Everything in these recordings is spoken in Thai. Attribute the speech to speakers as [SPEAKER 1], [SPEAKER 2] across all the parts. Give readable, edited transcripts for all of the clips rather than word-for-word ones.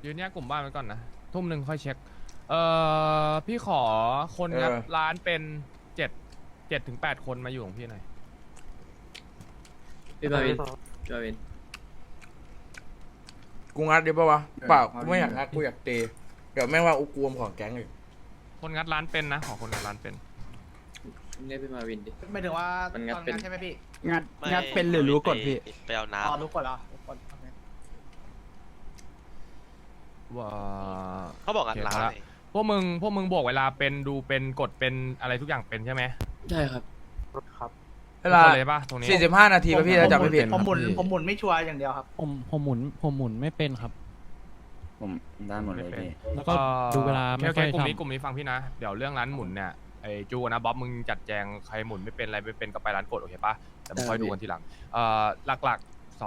[SPEAKER 1] ยืนแยกกลุ่มบ้านไว้ก่อนนะทุ่มหนึ่งค่อยเช็คพี่ขอคนงัดร้านเป็น7 ถึง 8 คนมาอยู่ของพี่หน่อย
[SPEAKER 2] พี่บาวินพี่บาวิน
[SPEAKER 3] กูงัดดีป่าวะเปล่ากูไม่อยากงัดกูอยากเตะเดี๋ยวแม่งว่าอุกวมของแก๊งอีก
[SPEAKER 1] คนงัดร้านเป็นนะขอคนงัดร้านเป็น
[SPEAKER 2] เรียกพี่มาวินดิ
[SPEAKER 4] หมายถึงว่า
[SPEAKER 2] มันงัด
[SPEAKER 4] ตอน
[SPEAKER 2] เป็น
[SPEAKER 4] ใช่ไหมพี่
[SPEAKER 5] งัดเป็นหรือรู้กฎพี่
[SPEAKER 6] ไปเอาน้
[SPEAKER 4] อ๋อรู้กดเหรอรู้กดโอเค
[SPEAKER 1] ว่า
[SPEAKER 6] ำเขาบอกงัดร้าน
[SPEAKER 1] โอเค
[SPEAKER 6] นี่
[SPEAKER 1] พวกมึงบวกเวลาเป็นดูเป็นกดเป็นอะไรทุกอย่างเป็นใช่ไหม
[SPEAKER 2] ใช่ครับ
[SPEAKER 3] เวลา
[SPEAKER 1] ทุกคนเลยปะตรงนี้
[SPEAKER 3] 45 นาทีป่ะพี่ถ้าจำไม่ผิด
[SPEAKER 4] ผมหมุนไม่ชัวร์อย่างเดียวครับ
[SPEAKER 5] ผมหมุนไม่เป็นครับ
[SPEAKER 7] ผมได้หมดเลยพี่
[SPEAKER 5] แล้วก็ดูเวลาไม่
[SPEAKER 1] โอเค
[SPEAKER 5] ค่อย
[SPEAKER 1] กลุ่ม
[SPEAKER 5] ทำ
[SPEAKER 1] นี้ฟังพี่นะเดี๋ยวเรื่องร้านหมุนเนี่ยไอ้จูนะบ๊อบมึงจัดแจงใครหมุนไม่เป็นอะไรไม่เป็นก็ไปร้านกดโอเคปะแต่มึงค่อยดูกันทีหลังหลักๆ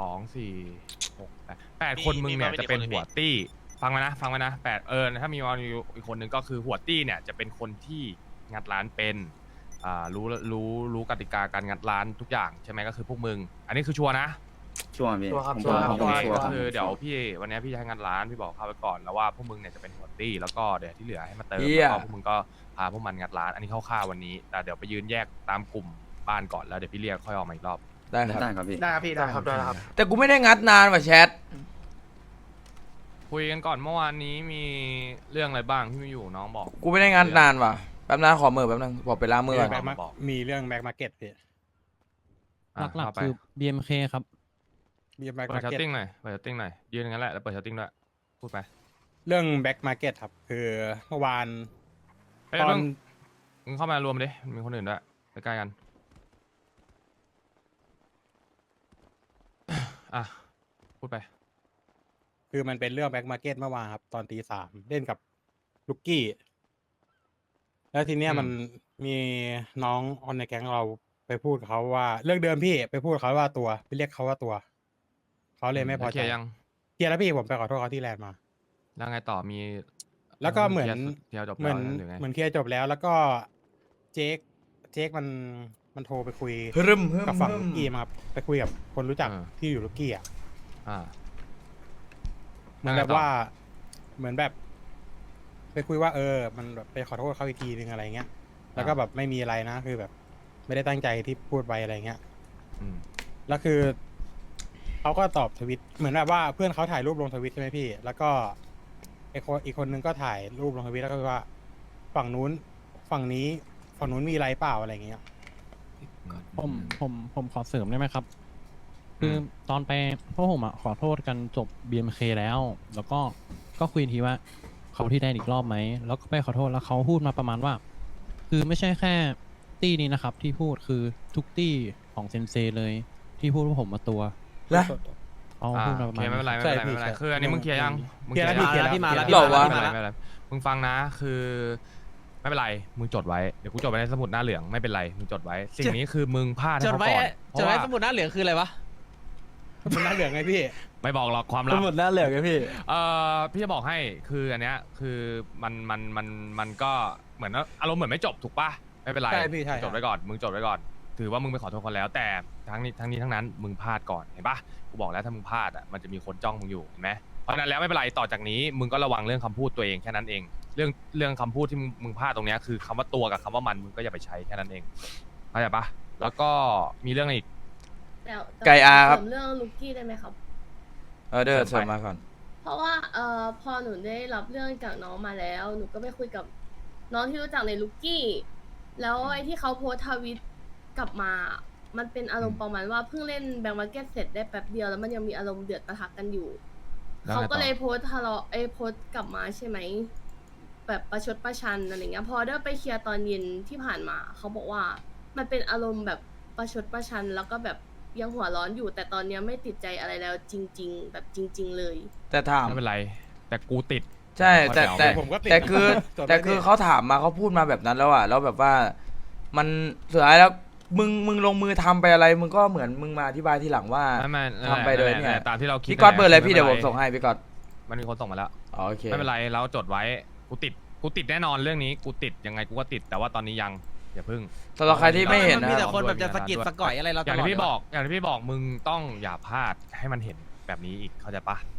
[SPEAKER 1] 2 4 6 8 คนมึงเนี่ยจะเป็นหัวตี้ฟังไว้นะ8ถ้ามีวอลอีกคนนึงก็คือหัวตี้เนี่ยจะเป็นคนที่งัดร้านเป็นรู้กติกาการงัดร้านทุกอย่างใช่ไหมก็คือพวกมึงอันนี้คือชัวร์นะ
[SPEAKER 7] ช่วงพี่
[SPEAKER 4] ชัวร์ครับ
[SPEAKER 7] ผม
[SPEAKER 4] ชัวร์ครับ
[SPEAKER 7] ผม
[SPEAKER 1] โอเค
[SPEAKER 7] ชัวร์
[SPEAKER 1] ก็
[SPEAKER 7] รับ
[SPEAKER 1] คือเดี๋ยวพี่วันนี้พี่จะให้งานร้านพี่บอกเข้าไปก่อนแล้วว่าพวกมึงเนี่ยจะเป็นหัวตี้แล้วก็เดี๋ยวที่เหลือให้มาเติม
[SPEAKER 3] เหี้ย
[SPEAKER 1] แล้วก็พวกมึงก็พาพวกมันงัดร้านอันนี้คร่าวๆวันนี้แต่เดี๋ยวไปยืนแยกตามกลุ่มบ้านก่อนแล้วเดี๋ยวพี่เรียกค่อยออกมาอีกรอบ
[SPEAKER 3] ได้ครับ
[SPEAKER 7] ได้ครับพี่
[SPEAKER 4] ได้ครับพี่ได้ครับได้ครับ
[SPEAKER 3] แต่กูไม่ได้งัดนานว่ะแชท
[SPEAKER 1] คุยกันก่อนเมื่อวานนี้มีเรื่องอะไรบ้างที่ไม่อยู่น้องบอก
[SPEAKER 3] กูไม่ได้งัดนานว่ะแป๊บนึงขอมือแป๊บนึงบอกไปล้างมือก่อน
[SPEAKER 1] บอก
[SPEAKER 5] มีเรื่องแบ็กมาร์เก็ตพี่
[SPEAKER 1] อ่ะ
[SPEAKER 5] หลัก
[SPEAKER 1] เอา
[SPEAKER 5] ๆ
[SPEAKER 1] ไป
[SPEAKER 5] คือ BMK ครับ
[SPEAKER 8] BM Back
[SPEAKER 1] เปิดชัต
[SPEAKER 8] Market
[SPEAKER 1] ติ้งหน่อยเปิดชัตติ้งหน่อยยืนอย่างนั้นแหละแล้วเปิดชัตติ้งด้วยพูดไป
[SPEAKER 8] เรื่อง Back Market ครับ คือเมื่อวาน
[SPEAKER 1] เฮ้ย
[SPEAKER 8] ตอน
[SPEAKER 1] มึงเข้ามารวมดิมีคนอื่นด้วยใกล้ๆกันอ่ะพูดไป
[SPEAKER 8] คือมันเป็นเรื่อง Back Market เมื่อวานครับ ตอนตี 3เล่นกับลูกกี้ แล้วทีเนี้ย
[SPEAKER 1] อืม
[SPEAKER 8] มันมีน้องออนในแก๊งเราไปพูดกับเขาว่าเรื่องเดิมพี่ไปพูดกับเขาว่าตัวไปเรียกเขาว่าตัว เขาเลยไม่พอ
[SPEAKER 1] แล้วเค
[SPEAKER 8] ใจ
[SPEAKER 1] ลียร์ยัง
[SPEAKER 8] เคลียร์แล้วพี่ผมไปขอโทษเขาที่แลนด์มา
[SPEAKER 1] แล้วไงต่อมี
[SPEAKER 8] แล้วก็เหมือน
[SPEAKER 1] เคลียร์จบ
[SPEAKER 8] เหมื
[SPEAKER 1] แล้
[SPEAKER 8] อ
[SPEAKER 1] วน หรือไง
[SPEAKER 8] เหมือนเคลียร์จบแล้ว แล้วก็เจ๊กมันโทรไปคุย
[SPEAKER 3] ฮึม
[SPEAKER 8] กับฝั่งลูกกี้มาครับไปคุยกับคนรู้จัก
[SPEAKER 1] เออ
[SPEAKER 8] ที่อยู่ลูกกี้อ่ะ
[SPEAKER 1] อ่า
[SPEAKER 8] เหมือนแบบว่าเหมือนแบบ ไปคุยว่ามันแบบไปขอโทษเขาอีกทีนึงอะไรเงี้ย แล้วก็แบบไม่มีอะไรนะคือแบบ ไม่ได้ตั้งใจที่พูดไปอะไรเงี้ย
[SPEAKER 1] อืม
[SPEAKER 8] แล้วคือเขาก็ตอบทวิตเหมือนแบบว่าเพื่อนเขาถ่ายรูปลงทวิตใช่ไหมพี่ แล้วก็อีกคนนึงก็ถ่ายรูปลงทวิตแล้วก็ว่า ฝั่งนู้นฝั่งนู้นมีอะไรเปล่าอะไรเงี้ย
[SPEAKER 5] ผมขอเสริมได้ไหมครับ คือตอนไปพวกผมอ่ะขอโทษกันจบ BMK แล้ว แล้วก็คุยทีว่าเขาที่ได้อีกรอบไหม แล้วก็ไปขอโทษแล้วเขาพูดมาประมาณว่า คือไม่ใช่แค่ตี้นี้นะครับ ที่พูดคือทุกตี้ของเซนเซเลยที่พูดว่าผมมาตัว
[SPEAKER 3] แล้ว
[SPEAKER 5] เขา
[SPEAKER 1] อ่า
[SPEAKER 5] พูดมา
[SPEAKER 1] โอ
[SPEAKER 5] ประ
[SPEAKER 1] เค
[SPEAKER 5] มาณ
[SPEAKER 1] ไม่เป็นไรไม่
[SPEAKER 8] ใช่
[SPEAKER 1] เป็นไรไม่เป็นไร
[SPEAKER 8] พี่
[SPEAKER 1] คืออันนี้มึงเคลียร์ยังมึง
[SPEAKER 8] เคลียร์แล้วพี่
[SPEAKER 1] ง
[SPEAKER 8] เคลียร์แล้ว
[SPEAKER 2] พี่มาแล้ว
[SPEAKER 3] หรอวะ
[SPEAKER 1] ไม่เป็นไรไม่เป็นไรมึงฟังนะคือไม่เป็นไรมึงจดไว้เดี๋ยวกูจดไว้ในสมุดหน้าเหลืองไม่เป็นไรมึงจดไว้ สิ่งนี้คือมึงพลาดให้
[SPEAKER 2] จด
[SPEAKER 1] เขา
[SPEAKER 2] ไว้
[SPEAKER 1] ก่อนเพ
[SPEAKER 2] จด
[SPEAKER 1] ราะ
[SPEAKER 2] ไว้
[SPEAKER 1] ว่า
[SPEAKER 2] สมุดหน้าเหลืองคืออะไรวะ
[SPEAKER 8] มันน่าเหลืองไงพี่
[SPEAKER 1] ไม่บอกหรอกความลับ
[SPEAKER 7] หมดหน้าเหลืองไงพี่
[SPEAKER 1] พี่จะบอกให้คืออันเนี้ยคือมันก็เหมือนอารมณ์เหมือนไม่จบถูกปะไม่เป็นไร
[SPEAKER 8] ใช่พี่ใช่
[SPEAKER 1] จดไว้ก่อนมึงจดไว้ก่อน ถือว่ามึงไปขอโทษคนแล้ว แต่ทั้งนี้ทั้งนั้นมึงพลาดก่อนเห็นปะกูบอกแล้วถ้ามึงพลาดอ่ะมันจะมีคนจ้องมึงอยู่เห็นไหมเพราะฉะนั้นแล้วไม่เป็นไรต่อจากนี้มึงก็ระวังเรื่องคำพูดตัวเองแค่นั้นเอง เรื่องคำพูดที่มึงพลาดตรงเนี้ยคือคำว่าตัวกับคำว่ามันมึงก็อย่าไปใช้แค่นั้นเองเข้าใจปะแล้วก็มีเรื่องอะไรอีก
[SPEAKER 9] แต่
[SPEAKER 3] ไก่อาครับ
[SPEAKER 9] เสมเรื่องลูกกี้ได้ไหมครับ
[SPEAKER 3] เดี๋ยวเสริมมาก่อน
[SPEAKER 9] เพราะว่าพอหนูได้รับเรื่องจากน้องมาแล้ว หนูก็ไปคุยกับน้องที่รู้จักในลูกกี้ แล้วไอ้ที่เขาโพสต์ทวิตกลับมา มันเป็นอารมณ์ประมาณว่าเพิ่งเล่นแบงก์มาร์เก็ตเสร็จได้แป๊บเดียวแล้วมันยังมีอารมณ์เดือดปะทะกันอยู่
[SPEAKER 1] แล้วไงต่อ
[SPEAKER 9] เขาก็เลยโพสต์ทะเลาะโพสต์กลับมาใช่ไหม แบบประชดประชันอะไรเงี้ย พอได้ไปเคลียร์ตอนเย็นที่ผ่านมา เขาบอกว่ามันเป็นอารมณ์แบบประชดประชัน แล้วก็แบบยังหัวร้อนอยู่ แต่ตอนเนี้ยไม่ติดใจอะไรแล้วจริง ๆ แบบจริง ๆ เลย
[SPEAKER 3] แต่ถาม
[SPEAKER 1] ไม่เป็นไร แต่กูติด
[SPEAKER 3] ใช่แต่
[SPEAKER 8] ผมก็ติด
[SPEAKER 3] แต่คือ
[SPEAKER 8] จดไว้
[SPEAKER 3] แต่คือเขาถามมาเขาพูดมาแบบนั้นแล้วอ่ะแล้วแบบว่ามันสุดท้ายแล้วมึงลงมือทำไปอะไรมึงก็เหมือนมึงมาอธิบายทีหลังว่า
[SPEAKER 1] ไม่
[SPEAKER 3] ทำไปโดยเนี่ย
[SPEAKER 1] ตามที่เราคิด
[SPEAKER 3] พี่ก๊อตเบอร์อะไร
[SPEAKER 1] นั่นแห
[SPEAKER 3] พี่เดี๋ยวผมส่งให้พี่ก๊อต
[SPEAKER 1] มันมีคนส่งมาแล้ว
[SPEAKER 3] อ๋อโอเค
[SPEAKER 1] ไม่เป็นไรเราจดไว้กูติดแน่นอนเรื่องนี้กูติดยังไงกูก็ติดแต่ว่าตอนนี้ยังอย่าพึ่ง
[SPEAKER 3] สำหรับใครที่ไม่เห็น
[SPEAKER 2] มัน
[SPEAKER 3] นะ
[SPEAKER 2] มีแต่
[SPEAKER 3] ครับ
[SPEAKER 2] คนแบบจะสะกิดสะก่อยอะไรเรา
[SPEAKER 1] อ
[SPEAKER 2] ต
[SPEAKER 1] ย่าง
[SPEAKER 2] ลอด
[SPEAKER 1] ที่พี่
[SPEAKER 2] เลยวะ
[SPEAKER 1] บอกมึงต้องอย่าพลาดให้มันเห็นแบบนี้อีกเข้าใจปะ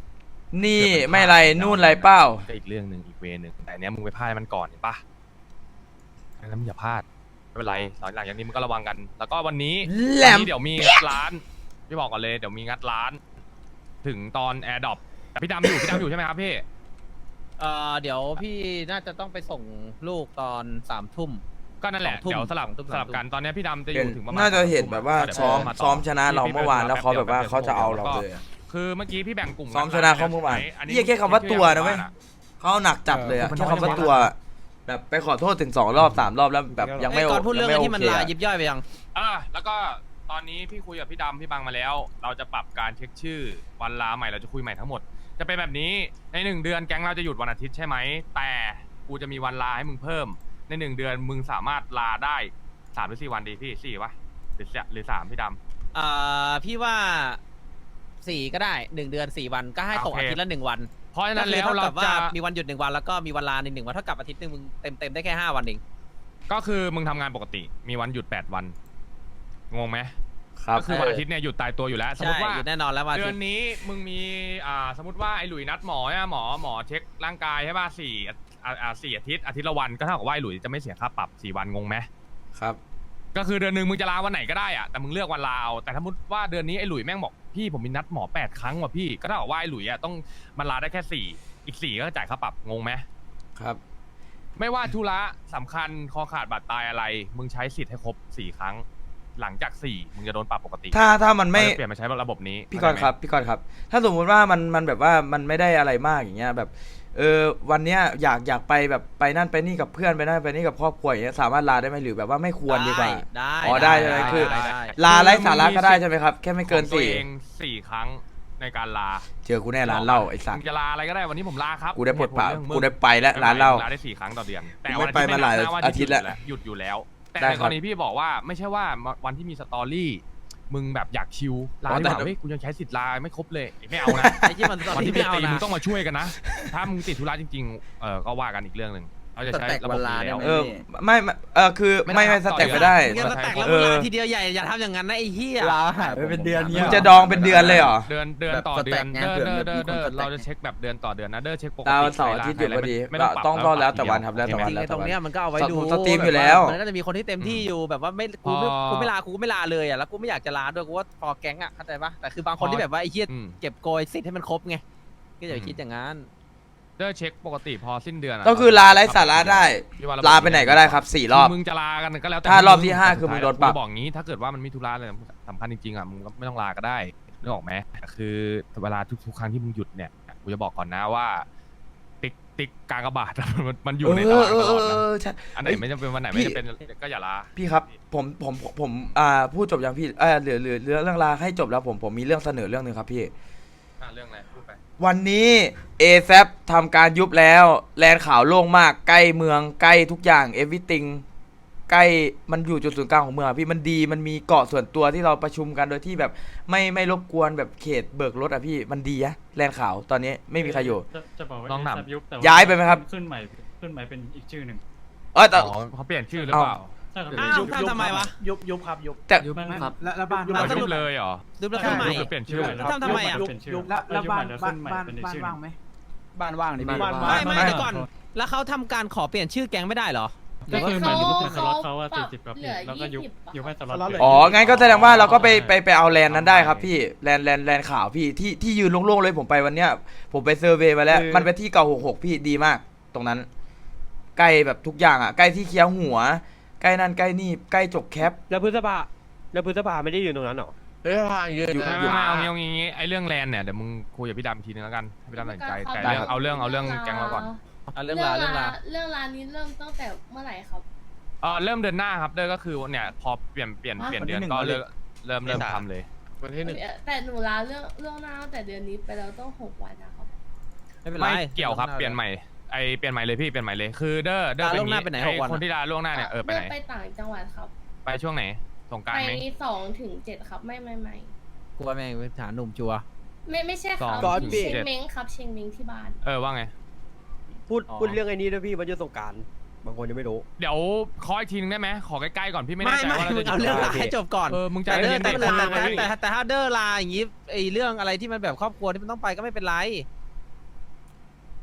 [SPEAKER 3] นี่ไม่ไรนู่นไรเป้า
[SPEAKER 1] ก็อีกเรื่องหนึ่งอีกเวนึงแต่เนี้ยมึงไปพลาดมันก่อนเห็นปะแล้วมึงอย่าพลาดไม่เป็นไรหลังจากนี้มึงก็ระวังกัน แล้วก็วันนี้
[SPEAKER 3] แหลม
[SPEAKER 1] เดี๋ยวมีงัดร้านพี่บอกก่อนเลยเดี๋ยวมีงัดร้าน ถึงตอนแอร์ดรอปแต่พี่ดำอยู่ใช่ไหมครับพี่
[SPEAKER 2] เดี๋ยวพี่น่าจะต้องไปส่งลูกตอน3 ทุ่ม
[SPEAKER 1] ก็นั่นแหละ
[SPEAKER 2] 2 ทุ่ม
[SPEAKER 1] เดี๋ยวสลับ
[SPEAKER 2] 2 ทุ่ม
[SPEAKER 1] สลับกันตอนนี้พี่ดำจะอ
[SPEAKER 3] เห็น
[SPEAKER 1] ยู่ถึงประมาณ
[SPEAKER 3] น่าจะเห็น
[SPEAKER 1] 2
[SPEAKER 3] แบบว่า
[SPEAKER 1] ดี๋ย
[SPEAKER 3] ซ้อม
[SPEAKER 1] พี่
[SPEAKER 3] ซ้อมชนะเรา
[SPEAKER 1] พี่
[SPEAKER 3] เมื่อวานแล้วเขา
[SPEAKER 1] พี่
[SPEAKER 3] แบบว่าเขาจะเอาเรา
[SPEAKER 1] ก็
[SPEAKER 3] เลยอะ
[SPEAKER 1] คือเมื่อกี้พี่แบ่งกลุ่ม
[SPEAKER 3] ซ้อมชนะเขาเมื่อวาน
[SPEAKER 1] อั
[SPEAKER 3] เหี้ยแค่คำว่าตัวนะเว้ย เขาเอาหนักจัดเลยอะแค่คำว่าตัว แบบไปขอโทษถึง2 รอบ 3 รอบแล้วแบบยังไม่
[SPEAKER 2] ก่อนพูดเรื่อง
[SPEAKER 3] ยั
[SPEAKER 2] อะไร
[SPEAKER 3] ไม่
[SPEAKER 2] ที่มัน
[SPEAKER 3] โอเค
[SPEAKER 2] ลา
[SPEAKER 3] อะ
[SPEAKER 2] ยิบย่อยไปยัง
[SPEAKER 1] แล้วก็ตอนนี้พี่คุยกับพี่ดำพี่บังมาแล้ว เราจะปรับการเช็คชื่อวันลาใหม่เราจะคุยใหม่ทั้งหมด จะเป็นแบบนี้ใน1 เดือนแก๊งเราจะหยุดวันอาทิตย์ใช่ไหมแต่กูจะมีวันลาให้มึงเพิ่มใน1 เดือนมึงสามารถลาได้3 หรือ 4 วันดีพี่4 วะหรือ3พี่ดำ
[SPEAKER 2] พี่ว่า4ก็ได้1 เดือน4 วันก็ให้ตก
[SPEAKER 1] โอเค
[SPEAKER 2] อาทิตย์ละ1 วัน
[SPEAKER 1] เพราะฉะนั้น
[SPEAKER 2] ก็คือ
[SPEAKER 1] แล้ว
[SPEAKER 2] เท่า
[SPEAKER 1] เรา
[SPEAKER 2] กับว่า
[SPEAKER 1] จะ
[SPEAKER 2] มีวันหยุด1 วันแล้วก็มีวันลาใน1 วันเท่ากับอาทิตย์หนึงมึงเต็มได้แค่5 วันเอง
[SPEAKER 1] ก็คือมึงทำงานปกติมีวันหยุด8 วันงงไหม
[SPEAKER 3] ครับ
[SPEAKER 1] ก็คือวันอาทิตย์เนี่ยหยุดตายตัวอยู่แล้วสมม
[SPEAKER 2] ใช่
[SPEAKER 1] ติว่า
[SPEAKER 2] หยุดแน่นอนแล้ววันอา
[SPEAKER 1] เดื
[SPEAKER 2] ทิ
[SPEAKER 1] อ
[SPEAKER 2] ต
[SPEAKER 1] น
[SPEAKER 2] ย์
[SPEAKER 1] นี้มึงมีสมมติว่าไอ้หลุยนัดหมอเนี่ยหมอเช็คร่างกายใช่ป่ะ4 อาทิตย์ละวันก็เท่ากับว่าไอ้หลุยจะไม่เสียค่าปรับ4 วันงงไหม
[SPEAKER 3] ครับ
[SPEAKER 1] ก็คือเดือนหนึ่งมึงจะลาวันไหนก็ได้อะแต่มึงเลือกวันลาเอาแต่ถ้ามุติว่าเดือนนี้ไอ้หลุยแม่งบอกพี่ผมมีนัดหมอ8 ครั้งว่ะพี่ก็เท่ากับว่าไอ้หลุยอะต้องมันลาได้แค่4อีก4ก็จ่ายค่าปรับงงไหม
[SPEAKER 3] ครับ
[SPEAKER 1] ไม่ว่าธุระสำคัญคอขาดบาดตายอะไร มึงใช้สิทธิ์ให้ครบ4 ครั้ง หลังจาก4มึงจะโดนปรับปกติ
[SPEAKER 3] ถ้ามันไม่
[SPEAKER 1] เราจะเปลี่ยนมาใช้ระบบนี้
[SPEAKER 3] พี่กรณ์ครับพี่กรณ์ครับ ถ้าสมมุติว่ามันแบบว่ามันไม่ได้อะไรมากอย่างเงี้ยแบบวันเนี้ยอยากไปแบบไปนั่นไปนี่กับเพื่อนไปนั่นไปนี่กับครอบครัวอย่างเงี้ยสามารถลาได้ไหมหรือแบบว่าไม่ควรดีกว่า
[SPEAKER 2] ได้
[SPEAKER 3] อ๋อได้ใช่ไหมคือ
[SPEAKER 2] ได้
[SPEAKER 3] ลาไร้สาระก็ได้ใช่ไหมครับแค่ไม่เกิน
[SPEAKER 1] ของตัวเอง4 ครั้งในการลา
[SPEAKER 3] 4เจอกูแน่ร้านเหล้าไอ้สัต
[SPEAKER 1] มึ
[SPEAKER 3] ว์
[SPEAKER 1] งจะลาอะไรก็ได้วันนี้ผมลาครับ
[SPEAKER 3] กูได้ปลดปล่า
[SPEAKER 1] เหตุผลเรื่องมึง
[SPEAKER 3] กูได้ไปแล้วร้านเหล้า
[SPEAKER 1] ลาได้4 ครั้งต่อเดือนแต่
[SPEAKER 3] กู
[SPEAKER 1] วัน
[SPEAKER 3] ไม่ไปมาหลายอาทิตย์แล้ว
[SPEAKER 1] หยุดอยู่แล้ว แต่
[SPEAKER 3] ได้
[SPEAKER 1] ใน
[SPEAKER 3] ค
[SPEAKER 1] ก
[SPEAKER 3] รับ
[SPEAKER 1] รณีพี่บอกว่าไม่ใช่ว่าวันที่มีสตอรี่มึงแบบอยากชิลลา
[SPEAKER 3] อ๋อ
[SPEAKER 1] ดี
[SPEAKER 3] แต่
[SPEAKER 1] กว่าเฮ้ยกูยังใช้สิทธิ์ลาไม่ครบเลยไม่เอานะ
[SPEAKER 2] ไอ้ที่มันตอน
[SPEAKER 1] วัน
[SPEAKER 2] ที่
[SPEAKER 1] ที่
[SPEAKER 2] ไม่
[SPEAKER 1] ไม่
[SPEAKER 2] เอา
[SPEAKER 1] ตี
[SPEAKER 2] นะ
[SPEAKER 1] มึงต้องมาช่วยกันนะ ถ้ามึงติดธุระจริงๆก็ว่ากันอีกเรื่องหนึ่งเราจะใช้ระบบนี้แล้ว
[SPEAKER 3] ไม่คือไม่สแต็กไม่ได้
[SPEAKER 2] เงินสแต็กแล้ว
[SPEAKER 3] เอ
[SPEAKER 2] มึง
[SPEAKER 3] อ
[SPEAKER 2] ลาทีเดียวใหญ่อย่าทำอย่างนั้นนะไอ้เหี้ย
[SPEAKER 4] ลาหายไปเป็นเดือน
[SPEAKER 3] มึงจะดองเป็นเดือนเลยเหรอ
[SPEAKER 1] เดือนต่อเดือน
[SPEAKER 7] แบบสแต็กไง
[SPEAKER 1] เด้อ
[SPEAKER 7] เผื่อมีคนสแต็ก
[SPEAKER 1] เราจะเช็คแบบเดือนต่อเดือนนะเด้อเช็คปกติ
[SPEAKER 3] ดาวเสาร์อาทิตย์อยู่พอดี
[SPEAKER 1] ไม่ต้องปรับ
[SPEAKER 3] ต้องแล้วแต่วันครับแล้วแต่วัน
[SPEAKER 2] จริงๆไอ้ตรงเนี้ยมันก็เอาไว้ดู
[SPEAKER 3] สตรีมอยู่แล้ว
[SPEAKER 2] มันก็จะมีคนที่เต็มที่อยู่แบบว่ากูไม่ลากูก็ไม่ลาเลยอ่ะแล้วกูไม่อยากจะลาด้วยกูว่าพอแก๊งอ่ะเข้าใจปะแต่คือบางคนที่แบบว่าไอ้เหี้ย
[SPEAKER 1] อืม
[SPEAKER 2] เก็บโกยสิทธิ์ให้มันครบไงก็อย่าไปคิดอย่างนั้น
[SPEAKER 1] เด้อเช็คปกติพอสิ้นเดือน
[SPEAKER 3] ก็คือลาไร้สาระได้
[SPEAKER 1] พี่ว่
[SPEAKER 3] ลาไปไหนก็ได้ครับ4 รอบ
[SPEAKER 1] มึงจะลากันก็แล้วแต่
[SPEAKER 3] ถ้ารอบที่5คือมึงโดนปรับ
[SPEAKER 1] กูบอกงี้ถ้าเกิดว่ามันมีธุระอะไรสำคัญจริงๆอ่ะมึงก็ไม่ต้องลาก็ได้นึกออกไหมคือเวลาทุกครั้งที่มึงหยุดเนี่ยกูจะบอกก่อนนะว่า ติ๊กกากบาท มันอยู่ในตารางตลอดนะ
[SPEAKER 3] ใช่
[SPEAKER 1] อันไหนไม่จำเป็นวันไหน
[SPEAKER 3] พี่
[SPEAKER 1] ไม่จำเป็นก็อย่าลา
[SPEAKER 3] พี่ครับผมพูดจบยังพี่เหลือเรื่องลาให้จบแล้วผมมีเรื่องเสนอเรื่องหนึ่งครับพี่
[SPEAKER 1] เรื่องอะไรพูดไป
[SPEAKER 3] วันนี้ ASAP ทำการยุบแล้วแลนด์ข่าวโล่งมากใกล้เมืองใกล้ทุกอย่าง everything ใกล้มันอยู่จุดศูนย์กลางของเมืองอะพี่มันดีมันมีเกาะส่วนตัวที่เราประชุมกันโดยที่แบบไม่รบกวนแบบเขตเบิกรถอะพี่มันดีอะแลนด์ข่าวตอนนี้ไม่มีใครอยู่
[SPEAKER 6] จะบอกว่า
[SPEAKER 1] ลองถาม
[SPEAKER 6] ยุบแต่ว่
[SPEAKER 3] ย้ายไปไหมครับ
[SPEAKER 6] ขึ้นใหม่เป็นอีกชื่อหนึ่ง
[SPEAKER 3] แต่
[SPEAKER 1] อ๋อเขาเปลี่ยนชื่อหรือเปล่า
[SPEAKER 6] ใช่ครับ
[SPEAKER 2] อ้าวทำไมวะ
[SPEAKER 4] ยุบครับยุบ
[SPEAKER 3] แต่
[SPEAKER 6] ไม่ครับ
[SPEAKER 4] แล้วบ้าน
[SPEAKER 1] ยุบ
[SPEAKER 2] แล้วสรุ
[SPEAKER 1] ยุ
[SPEAKER 2] ป
[SPEAKER 1] บเลยเหรอ
[SPEAKER 2] ดูแล้วขึ้นใหม่
[SPEAKER 1] ยุบหรือเปลี่ยนชื่อ
[SPEAKER 2] ทำไมอะ
[SPEAKER 4] ยุบแล้วบ้าน
[SPEAKER 6] ขึ้นใหม่เป็นอีกชื่อหนึ่ง
[SPEAKER 4] ว่างไหม
[SPEAKER 7] บ้านว่างดิพี่
[SPEAKER 4] บ้าน
[SPEAKER 2] ไม่เดี๋ยวก่อน แล้วเขาทำการขอเปลี่ยนชื่อแก๊งไม่ได้เหรอ
[SPEAKER 6] ก็คือเหมือนยุบเป็นสล็อตเขาว่า
[SPEAKER 9] ปรับ
[SPEAKER 6] 40 กับ
[SPEAKER 9] เหลือ
[SPEAKER 6] แล้วก็ยุบ
[SPEAKER 9] 20
[SPEAKER 6] ยุบให้สล็อต
[SPEAKER 4] สล็อตเหลื
[SPEAKER 3] อ๋องั้นก็แสดงว่าเราก็ไปเอาแลนด์นั้นได้ครับพี่แลนด์ข่าวพี่ที่ยืนโล่งๆเลยผมไปวันเนี้ยผมไปเซอร์เวย์มาแล้วมันเป็นที่เก่า66พี่ดีมาก ตรงนั้น ใกล้แบบทุกอย่างอ่ะใกล้ที่เคี้ยวหัว ใกล้นั่นใกล้นี่ใกล้จกแคป
[SPEAKER 10] แล้วพฤษภาไม่ได้อยู่ตรงนั้นหรอ
[SPEAKER 3] อยู่
[SPEAKER 1] ไม่เอางี้ไอ้เรื่องแลนด์เนี่ยเดี๋ยวมึงคุยกับพี่ดำอีกทีนึงแล้วกันให้พี่ดำตัดสินใจแต่เรื่องเอาเรื่องแก๊งเราก่อน
[SPEAKER 2] เอาเรื่องราว
[SPEAKER 9] เรื่องร้านนี้เริ่มตั้งแต่เมื่อไหร่ครับ
[SPEAKER 1] เริ่มเดือนหน้าครับเด้อก็คือเนี่ยพอเปลี่ยนเดือนก็เริ่มทำเลย
[SPEAKER 10] วันที่
[SPEAKER 9] แต่หนูลาเรื่องหน้าตั้งแต่เดือนนี้ไปแล้วต้อง6 วันนะครับ
[SPEAKER 2] ไม่เป็นไร
[SPEAKER 1] ไม่เกี่ยวครับเปลี่ยนใหม่เปลี่ยนใหม่เลยพี่เปลี่ยนใหม่เลยคือเด้อ
[SPEAKER 2] ลาล่วงหน้าไปไหน6 วัน
[SPEAKER 1] คนที่ลาล่วงหน้าเนี่ยไปไหน
[SPEAKER 9] ไปต่างจังหวัดครับ
[SPEAKER 1] ไปช่วงไหนสงกราน
[SPEAKER 9] ไป
[SPEAKER 1] ต์ไหม
[SPEAKER 9] 2 ถึง 7ครับไม่
[SPEAKER 2] กลัวแม่งเป็นฐานหนุ่มจัว
[SPEAKER 9] ไม่ใช่ครับ
[SPEAKER 1] ก่อนพี่
[SPEAKER 9] เชงเม้งครับเชงเม้งที่บ้าน
[SPEAKER 1] ว่าไง
[SPEAKER 10] พูดเรื่องไอ้นี้ด้วยพี่วันหยุดสงกรานต์บางคนยังไม่รู้
[SPEAKER 1] เดี๋ยวขออีกทีนึงได้ไหมขอใกล้ๆก่อนพี่ไม่
[SPEAKER 2] ไม่
[SPEAKER 1] แน่ใจ
[SPEAKER 2] ไม่
[SPEAKER 1] ว่าเรา
[SPEAKER 2] มึ
[SPEAKER 1] จะ
[SPEAKER 2] งเอาเรื่องลาให้จบก่อน
[SPEAKER 1] มึงใจ
[SPEAKER 2] แต่เดอ
[SPEAKER 1] เย็
[SPEAKER 2] ร์
[SPEAKER 1] น
[SPEAKER 2] แต่
[SPEAKER 1] ๆ
[SPEAKER 2] แต่ถ้าเดอร์ลาอย่างงี้ไอ้เรื่องอะไรที่มันแบบครอบครัวที่มันต้องไปก็ไม่เป็นไร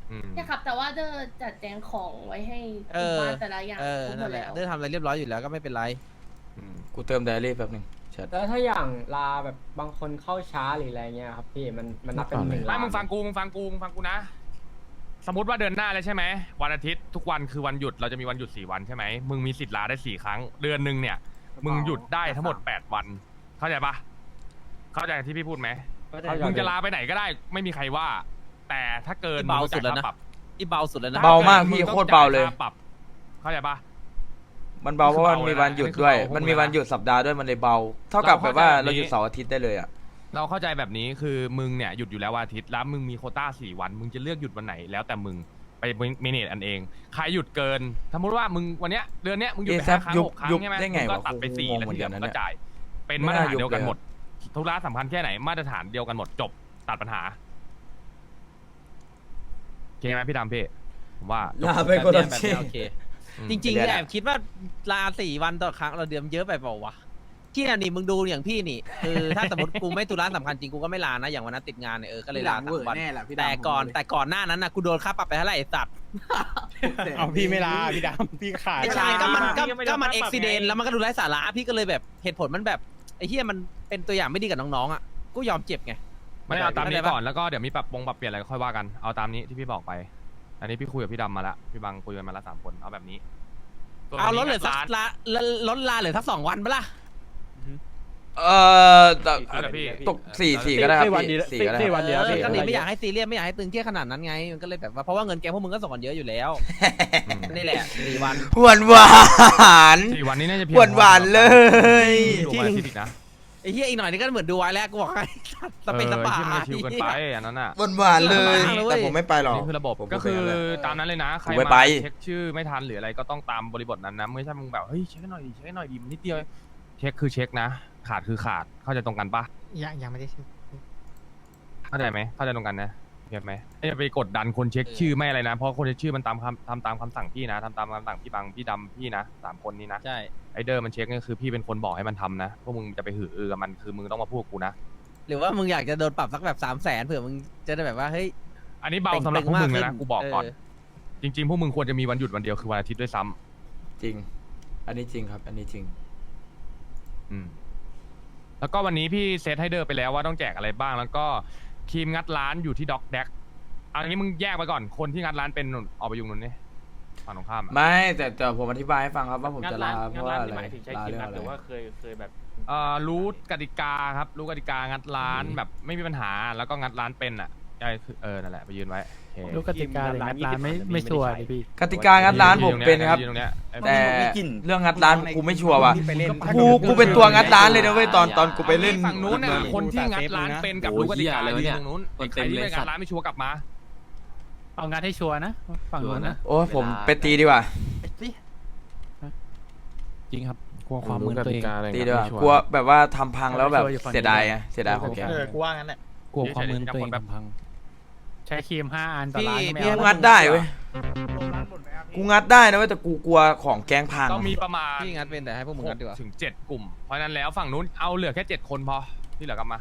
[SPEAKER 9] ใช่ครับ แต่ว่าเดอจัดแจงของไว้ให้
[SPEAKER 2] เออ
[SPEAKER 9] บ้านแต่ละอย่างครบหม
[SPEAKER 2] นั่
[SPEAKER 9] ด
[SPEAKER 2] นแหละ
[SPEAKER 9] แล้ว
[SPEAKER 2] เดินทำอะไรเรียบร้อยอยู่แล้วก็ไม่เป็นไร
[SPEAKER 3] กูเติมไดอารี่แป๊บนึงแชท
[SPEAKER 10] แล้วถ้าอย่างลาแบบบางคนเข้าช้าหรืออะไรเงี้ยครับพี่มันนับเป็นหนึ่ง
[SPEAKER 1] ไม่
[SPEAKER 10] ลา
[SPEAKER 1] มึงฟังกูนะ สมมติว่าเดือนหน้าแล้วใช่ไหมวันอาทิตย์ทุกวันคือวันหยุดเราจะมีวันหยุด4 วันใช่ไหมมึงมีสิทธิ์ลาได้4 ครั้งเดือนหนึ่งเนี่ย มึงหยุดได้ทั้งหมด8 วัน เข้าใจปะเข้าใจที่พี่พูดไหมมึงจะลาไปไหนก็ได้ไม่มีใครว่า แต่ถ้าเกิน
[SPEAKER 2] เบาสุดแล้วนะ
[SPEAKER 1] มึงต้องจ่ายค่าปรับ
[SPEAKER 2] ที่เบาสุดแล้วนะ
[SPEAKER 3] เบามากพี่โคตรเบาเลย
[SPEAKER 1] มึงต้องจ่ค่ปรับเข้าใจปะ
[SPEAKER 3] มันเบาเพราะว่ามันมีวันหยุดด้วย
[SPEAKER 1] อันนี้คือเบา
[SPEAKER 3] มันมีวันหยุดสัปดาห์ด้วยมันเลยเบา เท่ากับแบบว่าเราหยุดเสาร์อาทิตย์ได้เลยอ่ะ
[SPEAKER 1] เราเข้าใจแบบนี้คือมึงเนี่ยหยุดอยู่แล้ววันอาทิตย์แล้วมึงมีโควต้า4 วันมึงจะเลือกหยุดวันไหนแล้วแต่มึงไปเมเนจอันเองใครหยุดเกินสมมติว่ามึงวันเนี้ยเดือนเนี้ยมึงหยุดไป
[SPEAKER 3] ASAP
[SPEAKER 1] 5 ครั้ง
[SPEAKER 3] ยุบ
[SPEAKER 1] 6 ครั้ง
[SPEAKER 3] ยุบ
[SPEAKER 1] ใช่ไหม
[SPEAKER 3] ได้ไง
[SPEAKER 1] มึงก็
[SPEAKER 3] วะ
[SPEAKER 1] ตัดไป
[SPEAKER 3] กู
[SPEAKER 1] 4
[SPEAKER 3] งง
[SPEAKER 1] แล้ว
[SPEAKER 3] เหมื
[SPEAKER 1] ที่
[SPEAKER 3] อน
[SPEAKER 1] เห
[SPEAKER 3] กั
[SPEAKER 1] ลื
[SPEAKER 3] น
[SPEAKER 1] อ
[SPEAKER 3] นะ
[SPEAKER 1] มึงก็จ่ายเป็น
[SPEAKER 3] ไม่
[SPEAKER 1] มาตร
[SPEAKER 3] น่า
[SPEAKER 1] ฐาน
[SPEAKER 3] ยุบ
[SPEAKER 1] เดียวกัน
[SPEAKER 3] เลยอะ
[SPEAKER 1] หมดธุระสำคัญแค่ไหนมาตรฐานเดียวกันหมดจบตัดปัญหาโอเคไหมพี่ดำพี่ผมว่า
[SPEAKER 3] ลาไปคนละ
[SPEAKER 2] แบบ
[SPEAKER 3] ที่
[SPEAKER 2] เนี้ยโอเค จริงๆแอบคิดว่าลา4 วันต่อครั้งเราเดือนเยอะไปเปล่าวะที่นี่มึงดูอย่างพี่นี่คือถ้าสมมติกูไม่ธุระสำคัญจริงกูก็ไม่ลานะอย่างวันนั้นติดงานเนี่ยก็เลยลา3 วันแต่ก่อนหน้านั้นนะกูโดนค่าปรับไปเท่าไหร่ไอ้สัตว์
[SPEAKER 8] เอาพี่ไม่ลาพี่ดำพี่ขาด
[SPEAKER 2] ไม่ใช่ก็มันอุบิเหตุแล้วมันก็ดูไร้สาระพี่ก็เลยแบบเหตุผลมันแบบไอ้เหี้ยมันเป็นตัวอย่างไม่ดีกับน้องๆอ่ะกูยอมเจ็บไง
[SPEAKER 1] ไม่เอาตามนี้
[SPEAKER 2] เข้าใจปะ
[SPEAKER 1] ก่อนแล้วก็เดี๋ยวมีปรับเปลี่ยนอะไรก็ค่อยว่ากันเอาตามนี้ที่พี่บอกไป อันนี้พี่คุยกับพี่ดำมาละพี่บังคุยกันมาละ3 คนเอาแบบนี้ส่วน
[SPEAKER 2] เอาล
[SPEAKER 1] วั
[SPEAKER 2] ด
[SPEAKER 1] น
[SPEAKER 2] เห
[SPEAKER 1] นี้
[SPEAKER 2] ลือสัก
[SPEAKER 1] ร้าน
[SPEAKER 2] ลดลาเหลือสัก2 วันปะล่ะ
[SPEAKER 3] แต่
[SPEAKER 1] เอาละพี่
[SPEAKER 3] ตก4 ก็ได้ครับพี่4ก็ได้
[SPEAKER 10] 4 วันเดียวพี่
[SPEAKER 2] ก็เลยไม่อยากให้ซีเรียสไม่อยากให้ตึงเครียดขนาดนั้นไงมันก็เลยแบบว่าเพราะว่าเงินแกงพวกมึงก็ส่งกันเยอะอยู่แล้วนี่แหละ4 วัน
[SPEAKER 3] หวานหวาน
[SPEAKER 1] 4 วันนี้น่าจะเพียง
[SPEAKER 3] หวานหวานเลย
[SPEAKER 1] ดูวันอาทิตย์อีกนะ
[SPEAKER 2] ไอ้เหี้ยอีกหน่อยนี่ก็เหมือนดูไว้แล้วกูบอกให้สเปนสปา
[SPEAKER 1] ที่มันชิวเกินไปอันนั้นอ่ะ
[SPEAKER 3] หวานหวานเลย
[SPEAKER 2] เออ
[SPEAKER 3] แต่ผมไม่ไปหรอก
[SPEAKER 1] นี่คือระบบ
[SPEAKER 3] ผม
[SPEAKER 1] ก็คือ
[SPEAKER 3] ผมไปแล้ว
[SPEAKER 1] ตามนั้นเลยนะใคร
[SPEAKER 3] ผมไม่
[SPEAKER 1] มา
[SPEAKER 3] ไป
[SPEAKER 1] เช็คชื่อไม่ทันหรืออะไรก็ต้องตามบริบทนั้นนะไม่ใช่มึงแบบเฮ้ยเช็คให้หน่อยดิเช็คให้หน่อยดิมันนิดเดียวเช็คคือเช็คนะขาดคือขาดเข้าใจตรงกันปะ
[SPEAKER 4] ยังไม่ได้ชื่อ
[SPEAKER 1] เข้าใจไหมเข้าใจตรงกันนะเห็นไหมอย่าไปกดดันคนเช็คชื่อไม่อะไรนะเพราะคนเช็คชื่อมันทำตามคำสั่งพี่นะทำตามคำสั่งพี่บังพี่ดำพี่นะ3 คนนี้นะ
[SPEAKER 2] ใช่
[SPEAKER 1] ไอเดอร์มันเช็คนี่คือพี่เป็นคนบอกให้มันทำนะพวกมึงจะไปหืออือกับมันคือมึงต้องมาพูดกับกูนะ
[SPEAKER 2] หรือว่ามึงอยากจะโดนปรับสักแบบ300,000เผื่อมึงจะได้แบบว่าเฮ้ย
[SPEAKER 1] อันนี้เบาสำหรับพวกมึงเลยนะ
[SPEAKER 2] เต็งๆมากขึ้น
[SPEAKER 1] กูบอกก่อน
[SPEAKER 2] เออ
[SPEAKER 1] จริงๆพวกมึงควรจะมีวันหยุดวันเดียวคือวันอาทิตย์ด้วยซ้ำ
[SPEAKER 3] จริง อันนี้จริงครับ อันนี้จริง
[SPEAKER 1] อืมแล้วก็วันนี้พี่เซตให้เดอร์ไปแล้วว่าต้องแจกอะไรบ้าง แล้วก็ครีมงัดร้านอยู่ที่ด็อกแดกอันนี้มึงแยกไปก่อนคนที่งัดร้านเป็นนู่นออกไปยุงนู่นนี่ฝั่งตรงข้ามอะ
[SPEAKER 3] ไม่แต่ผมอธิบายให้ฟังครับว่าผมจะลาเพราะว่าอะไรลาเรื่องอะไร
[SPEAKER 6] เคยแบบ
[SPEAKER 1] รู้กติกาครับรู้กติกางัดร้านแบบไม่มีปัญหาแล้วก็งัดร้านเป็นอ่ะใช่คือนั่นแหละไปยืนไว้โอเค
[SPEAKER 4] รู้กติกาเลยงัดร้านไม่ชัวร์เลยพี่
[SPEAKER 3] กติกางัดร้านผมเป็นครับ
[SPEAKER 1] ยืตรงเนี้ย
[SPEAKER 3] แต่เรื่องงัดร้านกูไม่ชัวร์ว่ะกูเป็นตัวงัดร้านเลยนะเว้ยตอนกูไปเล่น
[SPEAKER 1] ฝั่งนู้นน่ะคนที่งัดร้านเป็นกับรู้กติกายืนตรงนู้นไอ้ใครที่ไม่งัดร้านไม่ชัวร์กลับมา
[SPEAKER 4] เอางัดให้ชัวร์นะฝั่งนู้นนะ
[SPEAKER 3] โอ้ผมไปตีดีกว่า
[SPEAKER 5] จริงครับกลัวความมือตัวเอง
[SPEAKER 3] ตีดีกว่ากลัวแบบว่าทำพังแล้วแบบเสียดายไงเสียดายของแก
[SPEAKER 4] กูว่างั้นแหละ
[SPEAKER 5] กลัวความมือตัวเองทำพัง
[SPEAKER 4] ใช้ครีม5 อันต่อร้านไม่
[SPEAKER 3] กู
[SPEAKER 4] เอา
[SPEAKER 3] งัดได้เว้ยกูงัดได้นะเว้ยแต่กูกลัวของแกงพัง
[SPEAKER 1] ต้องมีประมาณ
[SPEAKER 2] พี่งัดเป็นแต่ให้พวกมึงงัดดีกว่า
[SPEAKER 1] ถึง7 กลุ่มเพราะฉะนั้นแล้วฝั่งนู้นเอาเหลือแค่7 คนพอที่เหลือกลับมา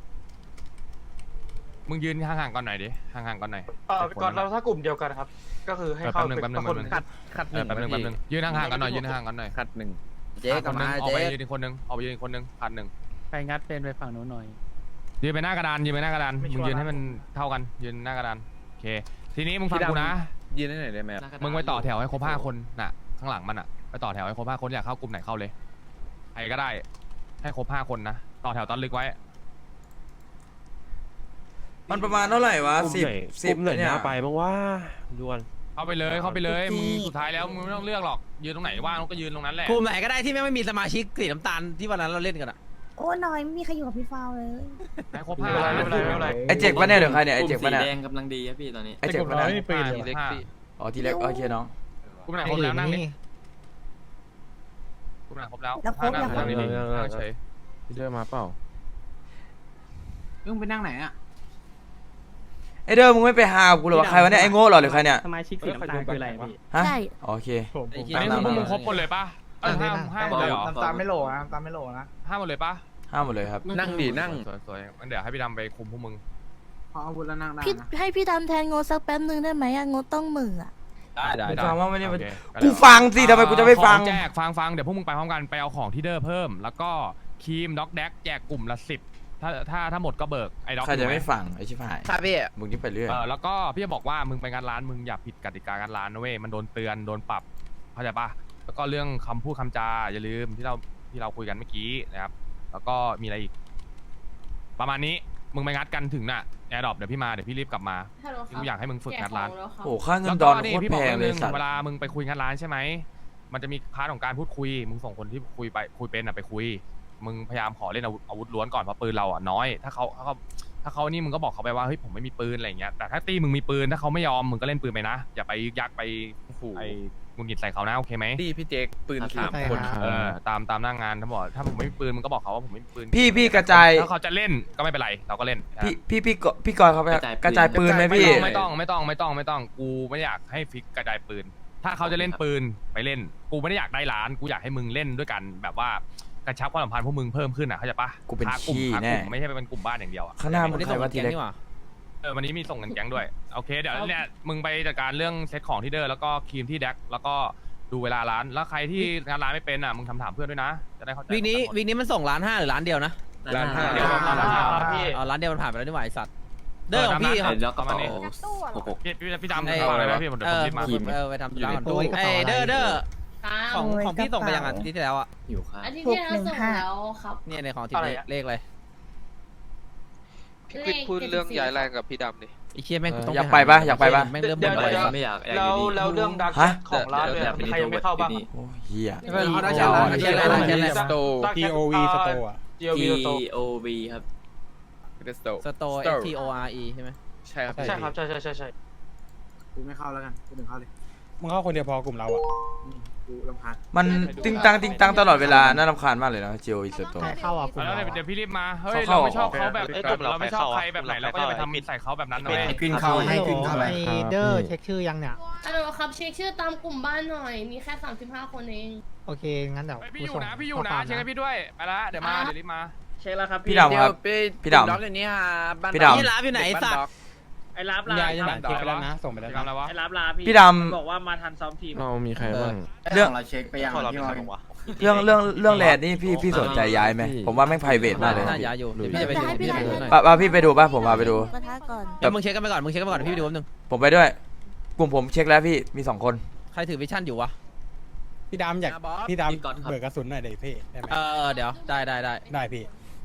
[SPEAKER 1] มึงยืนห่างๆก่อนหน่อยดิห่างๆก่อนหน่อย
[SPEAKER 6] ก่อนเราถ้ากลุ่มเดียวกันครับ ก็คือให้เข้า
[SPEAKER 1] แป๊บนึงแป๊บนึงยืนห่างๆกันหน่อยยืนห่างๆกันหน่อย
[SPEAKER 2] ขัดหนึ่ง
[SPEAKER 3] เจ๊กลับมา
[SPEAKER 1] ออก
[SPEAKER 3] เจ๊
[SPEAKER 1] ไปยืนอีกคนนึงออกไปยืนอีกคนนึงขาด 1
[SPEAKER 4] ใครงัดเป็นไปฝั่งนู้นหน่อย
[SPEAKER 1] ยืนไปหน้ากระดานยืนไปหน้ากระดานมึงยืนให้มันเท่ากันยืนหน้ากระดานโอเคทีนี้มึงฟังกูนะ
[SPEAKER 2] ยืนได้ไหนได้ไหม
[SPEAKER 1] มึงไปต่อแถวให้ครบ5 คนน่ะข้างหลังมันอ่ะไปต่อแถวให้ครบ5 คนอยากเข้ากลุ่มไหนเข้าเลยใครก็ได้ให้ครบ5 คนนะต่อแถวตอนลึกไว้
[SPEAKER 3] มันประมาณเท่าไหร่วะ10เนี่ย
[SPEAKER 10] ด่วน
[SPEAKER 1] เข้าไปเลยมึงสุดท้ายแล้วมึงไม่ต้องเลือกหรอกยืนตรงไหนว่างก็ยืนตรงนั้นแหละ
[SPEAKER 2] กลุ่มไหนก็ได้ที่ไม่มีสมาชิกสีน้ำตาลที่วันนั้นเราเล่นกันอะ
[SPEAKER 11] โอ้น้อยไม่มีใครอยู่กับพี่ฟาวเลย
[SPEAKER 1] ให้ครบ
[SPEAKER 6] ไม่
[SPEAKER 1] 5
[SPEAKER 6] เป็นไรไม่เป็นไร
[SPEAKER 3] ไอเจ็กปะเนี่ยหรือใครเนี่ยไอเจ็กปะเนี่ย
[SPEAKER 7] แดงกำลังดีครับพี่ตอนนี้
[SPEAKER 3] ไอเจ็กปะเนี่ย
[SPEAKER 8] ไม่ปืน
[SPEAKER 1] ทีเล็ก
[SPEAKER 3] อ๋อทีเล็กโอเคน้อง
[SPEAKER 1] กลุ่มไหนครบแล้วนั่งดิกลุ่มไหนครบแล้ว
[SPEAKER 11] แล้วครบ
[SPEAKER 1] นั่งดีๆนั่งเฉย
[SPEAKER 6] พี่เดอร์มาเปล่า
[SPEAKER 4] มึงไปนั่งไหนอ่ะ
[SPEAKER 3] ไอเดิมมึงไม่ไปหากูหรอวะใครวะเนี่ยไอโง่เหรอหรือใครเนี่ย
[SPEAKER 4] สมาชิกสีน้ำตาลคืออะไรพี่
[SPEAKER 3] ฮะ
[SPEAKER 11] ใช่
[SPEAKER 3] โอเค
[SPEAKER 1] อันนี้คือพวกมึงครบหมดเลยป่ะห้าหมดเลยเหรอ
[SPEAKER 4] ตามไม่โหลนะตามไม่โหลนะ
[SPEAKER 1] 5 หมดเลยป่ะ
[SPEAKER 3] ห้ามหมดเลยครับ
[SPEAKER 1] นั่งดินั่งสวยๆงั้นเดี๋ยวให้พี่ดำไปคุมพวกมึง
[SPEAKER 4] พออาวุธแล้วนั่งได้
[SPEAKER 11] พี่
[SPEAKER 4] นะ
[SPEAKER 11] ให้พี่ดำแทนงดสักแป๊บนึงได้ไหมอะงดต้องมืออะ
[SPEAKER 2] ได้
[SPEAKER 3] กูฟังว่าไม่ได้
[SPEAKER 1] โอเค
[SPEAKER 3] กูฟังสิทำไมกูจะไม่ฟัง
[SPEAKER 1] ของแจกฟังเดี๋ยวพวกมึงไปพร้อมกันไปเอาของที่เดอร์เพิ่ม แล้วก็ครีมด็อกแดกแจกกลุ่มละ10ถ้าหมดก็เบิกไอ้ด็อก
[SPEAKER 3] ใครจะไม่ฟังไอ้ชิบหาย
[SPEAKER 2] ครับพี่
[SPEAKER 3] มึงนี่ไปเรื่อย
[SPEAKER 1] แล้วก็พี่จะบอกว่ามึงไปงานร้านมึงอย่าผิดกติกางานร้านนะเว้ยมันโดนเตือนโดนปรับเข้าใจปะแล้วก็เรื่องคำพูดคำจาอย่าลืมที่เราคุยกันเมื่อกี้นะครับแล้วก็มีอะไรอีก ประมาณนี้มึงไปงัดกันถึงน่ะแอร์ดรอปเดี๋ยวพี่รีบกลับมา
[SPEAKER 9] ฮัลโหลครับ
[SPEAKER 1] กูอยากให้มึงฝึกงัดร้าน
[SPEAKER 9] แกะของแล้วครับ
[SPEAKER 3] โอ้ค่าเงิ
[SPEAKER 1] แล้
[SPEAKER 3] น
[SPEAKER 1] ว
[SPEAKER 3] ด
[SPEAKER 1] ก็
[SPEAKER 3] อน
[SPEAKER 1] นี่
[SPEAKER 3] โคตร
[SPEAKER 1] พี่บ
[SPEAKER 3] แพ
[SPEAKER 1] อก
[SPEAKER 3] ง
[SPEAKER 1] เรื่อง
[SPEAKER 3] เลย
[SPEAKER 1] นึง
[SPEAKER 3] สัตว์
[SPEAKER 1] เวลามึงไปคุยงานร้านใช่ไหมมันจะมีพาร์ทของการพูดคุยมึงส่งคนที่คุยเป็นอ่ะไปคุยมึงพยายามขอเล่นอาวุธล้วนก่อนเพราะปืนเราอ่ะน้อยถ้าเขานี่มึงก็บอกเขาไปว่าเฮ้ยผมไม่มีปืนอะไรอย่างเงี้ยแต่ถ้าตีมึงมีปืนถ้าเขาไม่ยอมมึงก็เล่นปืนไปนะอย่าไปยึกยักไปไอ้งุนงิดใส่เขานะโอเคไหม
[SPEAKER 2] พี่เจ๊กปืน
[SPEAKER 4] 3 คน
[SPEAKER 1] ตามหน้างานถ้าบอกถ้าผมไม่มีปืนมึงก็บอกเขาว่าผมไม่มีปืน
[SPEAKER 3] พี่กระจาย
[SPEAKER 1] ถ้าเขาจะเล่นก็ไม่เป็นไรเราก็เล่น
[SPEAKER 3] พี่กรเขาไปกระจายปืนไหมพี่
[SPEAKER 1] ไม่ต้องกูไม่อยากให้ฟิกกระจายปืน ถ้าเขาจะเล่นปืนไปเล่นกูไม่ได้อยากได้ร้านกูอยากให้มึงเล่นด้วยกันแบบว่ากระชับความสัมพันธ์พวกมึงเพิ่มขึ้นอ่ะเข้าใจปะ
[SPEAKER 3] กูเป็น
[SPEAKER 1] หากลุ่ม
[SPEAKER 3] ขี้
[SPEAKER 1] หาก
[SPEAKER 3] แน่
[SPEAKER 1] ลุ่มไม่ใช่เป็นกลุ่มบ้านอย่างเดียวอ่ะ
[SPEAKER 3] ข้างหน้ามึงใครว่าทีเล็ก
[SPEAKER 1] วันนี้มีส่งเงินแก๊งด้วยโอเคเดี๋ยวเนี่ยมึงไปจัดการเรื่องเซ็ตของที่เดอร์แล้วก็ครีมที่แดกแล้วก็ดูเวลาร้านแล้วใครที่งานร้านไม่เป็นอ่ะมึงถามเพื่อนด้วยนะจะได้เข้าใจ
[SPEAKER 2] วีนี้มันส่ง1.5 ล้านหรือ1 ล้านเดียวนะ
[SPEAKER 6] ร้านห้า
[SPEAKER 1] เดี๋ยวเรา
[SPEAKER 6] ครับพี่
[SPEAKER 2] อ๋อ1 ล้านเดียวมันผ่านไปแล้วนี่หว่าไอ้สัตว์เด้อของพี่ครับ
[SPEAKER 7] แล้วก็
[SPEAKER 1] ประมาณนี้ พี่ดำฝากอะไรไหมพี่ผมเดี๋ยวผมรีบมา
[SPEAKER 2] ไปทำร้านก่อนไอ้เด้อ
[SPEAKER 9] ครับ
[SPEAKER 2] ของพี่ส่งไปยังอ่ะที่แล้วอ่ะ
[SPEAKER 7] อยู่ครับ
[SPEAKER 9] อาทิตย์ที่แล้วส่งแล้วครับ
[SPEAKER 2] เนี่ยในของที่เลขเลย
[SPEAKER 9] พี่พูดเรื่องย้ายแรงกับพี่ดำดิ
[SPEAKER 2] ไอ้เชี่ยแม่งต้อง
[SPEAKER 3] อยากไปปะอยากไปปะ
[SPEAKER 2] แม่งเริ่ม
[SPEAKER 6] เดี๋ยว
[SPEAKER 2] บ่น
[SPEAKER 7] ไม่อยาก
[SPEAKER 6] แล้วเรื่องดักของร้านเลยใครยังไม่เข้าบ้าง
[SPEAKER 3] โอ้เฮีย
[SPEAKER 8] TOV สโตร์อะ
[SPEAKER 7] TOV ครับ
[SPEAKER 2] สโตร์ STORE ใช่ไหม
[SPEAKER 6] ใช่ครับใช่
[SPEAKER 4] กูไม่เข้าแล้วกันกูถึงเข้าเลย
[SPEAKER 8] มึงเข้าคนเดียวพอกลุ่มเราอะ
[SPEAKER 4] กูรำคาญ
[SPEAKER 3] มันติ้งตังตลอดเวลาน่ารำคาญมากเลยนะเจียวอิสโต
[SPEAKER 4] เข้าอ่ะกู
[SPEAKER 1] แล้วเดี๋ยวพี่รีบมา เฮ้ย
[SPEAKER 3] เขา
[SPEAKER 1] เรา
[SPEAKER 3] เข้า
[SPEAKER 1] ไม่ชอบเขาแบบเราไม่ชอบใครแบบไหนเราก็อย่าไปทำใส่เขาแบบนั้นนะเว้ย
[SPEAKER 7] ขึ้นเข้าให้ขึ้นเข้าไป
[SPEAKER 4] เดอร์เช็คชื่อยังเนี่ย
[SPEAKER 9] ฮัลโหลครับเช็คชื่อตามกลุ่มบ้านหน่อย มีแค่35 คนเอง
[SPEAKER 4] โอเคงั้นเดี๋ยว
[SPEAKER 1] พี่อยู่นะเช็คให้พี่ด้วยไปละเดี๋ยวรีบมา
[SPEAKER 6] เช็คแล้วครับ
[SPEAKER 3] พี่ดำครับพี่ดำ
[SPEAKER 10] ล็อกอย่างนี้ฮะบ้าน
[SPEAKER 3] พี่ดำ
[SPEAKER 2] นี่ร้านอยู่ไหนไอ้สัตว์
[SPEAKER 6] ไอ้รับลา
[SPEAKER 8] ย้ายยังไงเช็คไปแล้วนะ ส่งไปแล้ว
[SPEAKER 1] ทำอะไรวะ
[SPEAKER 6] ไอ้รับลาพี่
[SPEAKER 3] พี่ดำ
[SPEAKER 6] บอกว่ามาทันซ้อมทีม
[SPEAKER 5] เรามีใครบ้าง
[SPEAKER 3] เรื่อง
[SPEAKER 7] เราเช็คไปยังที่ว่า
[SPEAKER 3] เรื่องแลนด์นี่พี่สนใจย้ายไหมผมว่าแม่งไพรเวทมากเลย
[SPEAKER 2] น่า
[SPEAKER 3] นะ
[SPEAKER 2] ย้ายอยู่เดี๋ยวพี่จะไปดู
[SPEAKER 11] ให้พี่
[SPEAKER 2] พี่
[SPEAKER 11] ดำ
[SPEAKER 2] จะไปดูหน่อย
[SPEAKER 3] ป่ะพี่ไปดูป่ะผมพาไปดู
[SPEAKER 11] กระทะก่อน
[SPEAKER 2] เดี๋ยวมึงเช็คกันไปก่อนเดี๋ยวพี่ไปดูแป๊บนึง
[SPEAKER 3] ผมไปด้วย กลุ่มผมเช็คแล้วพี่มี2 คน
[SPEAKER 2] ใครถือวิชั่นอยู่วะ
[SPEAKER 8] พี่ดำอยาก
[SPEAKER 2] บอส
[SPEAKER 8] พี่ดำเบิกกระสุนหน่อยเดี๋ยวพี่ได้ไหม
[SPEAKER 2] เดี๋ยวได้
[SPEAKER 8] ได้พี่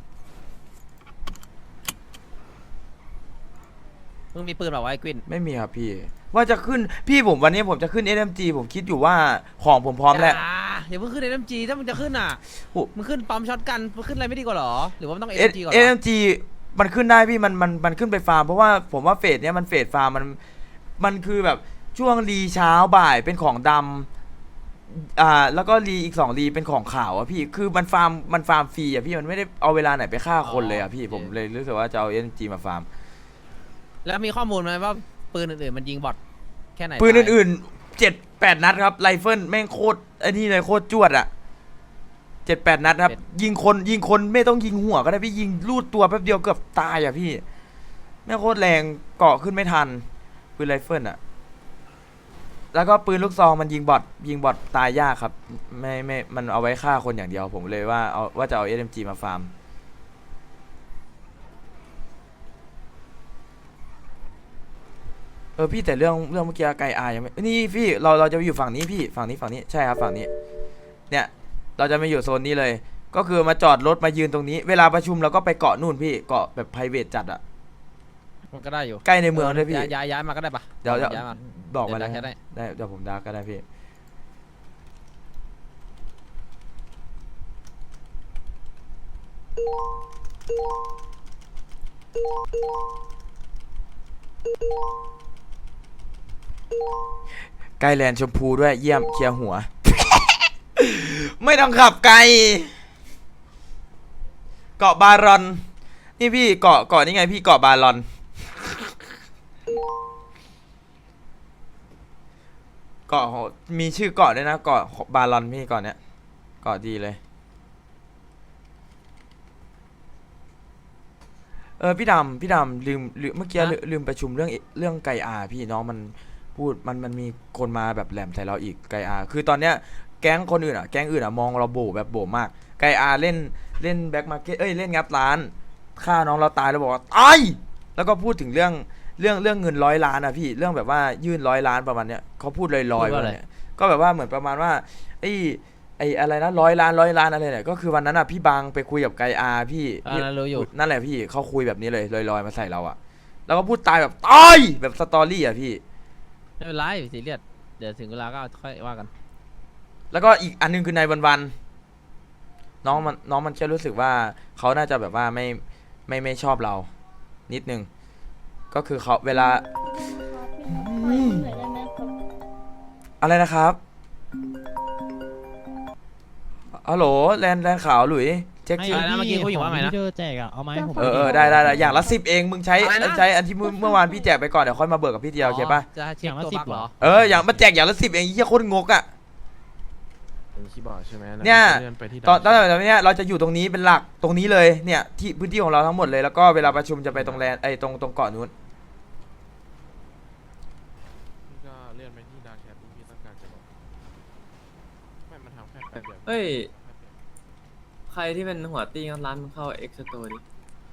[SPEAKER 2] มึงมีปืนเปล่าวะไอ้กวิน
[SPEAKER 3] ไม่มีครับพี่ ว่าจะขึ้นพี่ผมวันนี้ผมจะขึ้น SMG ผมคิดอยู่ว่าของผมพร้อมแล้ว
[SPEAKER 2] อย่าเพิ่งขึ้น SMG ถ้ามึงจะขึ้นอ่ะ
[SPEAKER 3] โอ้
[SPEAKER 2] มึงขึ้นปั๊มช็อตกันมึงขึ้นอะไรไม่ดีกว่าหรอหรือว่ามันต้อง
[SPEAKER 3] เอ
[SPEAKER 2] SMG ก่อน
[SPEAKER 3] SMG มันขึ้นได้พี่มันขึ้นไปฟาร์มเพราะว่าผมว่าเฟสเนี้ยมันเฟสฟาร์มมันคือแบบช่วงรีเช้าบ่ายเป็นของดำแล้วก็รีอีก2รีเป็นของขาวอะพี่คือมันฟาร์มฟรีอะพี่มันไม่ได้เอาเวลาไหนไปฆ่าคนเลยอะพี่ผมเลยรู้สึกว่าจะเอา SMG มาฟาร์ม
[SPEAKER 2] แล้วมีข้อมูลไหมว่าปืนอื่นๆมันยิงบอทแค่ไหน
[SPEAKER 3] ปืนอื่นๆ7-8 นัดครับไรเฟิลแม่งโคตรไอ้นี่เลยโคตรจวดอะ7-8 นัดครับยิงคนไม่ต้องยิงหัวก็ได้พี่ยิงลูดตัวแป๊บเดียวเกือบตายอะพี่แม่งโคตรแรงเกาะขึ้นไม่ทันปืนไรเฟิลอะแล้วก็ปืนลูกซองมันยิงบอทตายยากครับไม่มันเอาไว้ฆ่าคนอย่างเดียวผมเลยว่าจะเอา SMG มาฟาร์มพี่แต่เรื่องเมื่อกี้ไกลอายังไม่นี่พี่เราจะไปอยู่ฝั่งนี้พี่ฝั่งนี้ใช่ครับฝั่งนี้เนี่ยเราจะไม่อยู่โซนนี้เลยก็คือมาจอดรถมายืนตรงนี้เวลาประชุมเราก็ไปเกาะนู่นพี่เกาะแบบ private จัดอะ
[SPEAKER 2] มันก็ได้อยู่
[SPEAKER 3] ใกล้ในเมืองด้วยพี่
[SPEAKER 2] ย้ายมาก็ได้ปะ
[SPEAKER 3] เดี๋ยว
[SPEAKER 2] ย้ายมา
[SPEAKER 3] บอกมา
[SPEAKER 2] เดี๋
[SPEAKER 3] แล้ว
[SPEAKER 2] ยวได้
[SPEAKER 3] ได้เดี๋ยวผมดักก็ได้พี่ไกลแลนด์ชมพูด้วยเยี่ยมเคลียร์หัว ไม่ต้องขับไกลเกาะบารอนนี่พี่เกาะนี่ไงพี่เกาะบารอนเกาะมีชื่อเกาะด้วยนะเกาะบารอนพี่เกาะเนี้ยเกาะดีเลยพี่ดำลืมเมื่อกี้ลืมประชุมเรื่องไก่อาพี่น้องมันพูดมันมีคนมาแบบแหลมใส่เราอีกไก่อาคือตอนเนี้ยแก๊งคนอื่นแก๊งอื่นมองเราโบแบบโบมากไก่อาเล่นแบ็คมาร์เก็ตเล่นงับร้านฆ่าน้องเราตายแล้วบอกว่าตายแล้วก็พูดถึงเรื่องเงิน100 ล้านพี่เรื่องแบบว่ายื่น100 ล้านประมาณเนี้ยเขาพูดลอยๆว่าเนี่ยก็แบบว่าเหมือนประมาณว่าไอ้อะไรนะ100 ล้านอะไรเนี่ยก็คือวันนั้นพี่บางไปคุยกับไกอาพี่
[SPEAKER 2] รู้อยู่
[SPEAKER 3] นั่นแหละพี่เขาคุยแบบนี้เลยลอยๆมาใส่เราแล้วก็พูดตายแบบตายแบบสตอรี่พี่
[SPEAKER 2] ไม่เป็นไรซีเรียสเดี๋ยวถึงเวลาก็ค่อยว่ากัน
[SPEAKER 3] แล้วก็อีกอันนึงคือนายวันน้องมันแค่รู้สึกว่าเขาน่าจะแบบว่าไม่ชอบเรานิดนึงก็คือเขาเวลาอะไรนะครับฮัลโหลแลนขาวหลุยเช็คชื่อ
[SPEAKER 2] เมื่อกี้เขาอยู่ว่าไงนะ
[SPEAKER 5] ที่เจอแจกเอาไหมผม
[SPEAKER 3] ได้อย่างละ10เองมึงใช้อันที่เมื่อวานพี่แจกไปก่อนเดี๋ยวค่อยมาเบิกกับพี่เดียวโอเคป่ะ
[SPEAKER 2] จะเช็คตัวบักเหรอ
[SPEAKER 3] อย่างมาแจกอย่างละ10เองเหี้ยโคตรงก
[SPEAKER 1] คีย์บอร์ดใช่ไหม
[SPEAKER 3] เนี่ยตอนนี้เราจะอยู่ตรงนี้เป็นหลักตรงนี้เลยเนี่ยที่พื้นที่ของเราทั้งหมดเลยแล้วก็เวลาประชุมจะไปตรงแลนตรงเกาะนู้น
[SPEAKER 1] ก็เลื่อนไปที่ดาร์กแคปที่พี่ต้องการจะบอกไม่มันทำแค่แป๊บเดียว
[SPEAKER 7] เฮ้ย ใครที่เป็นหัวตี้ร้านมึงเข้าเอ็กซ์โตดิ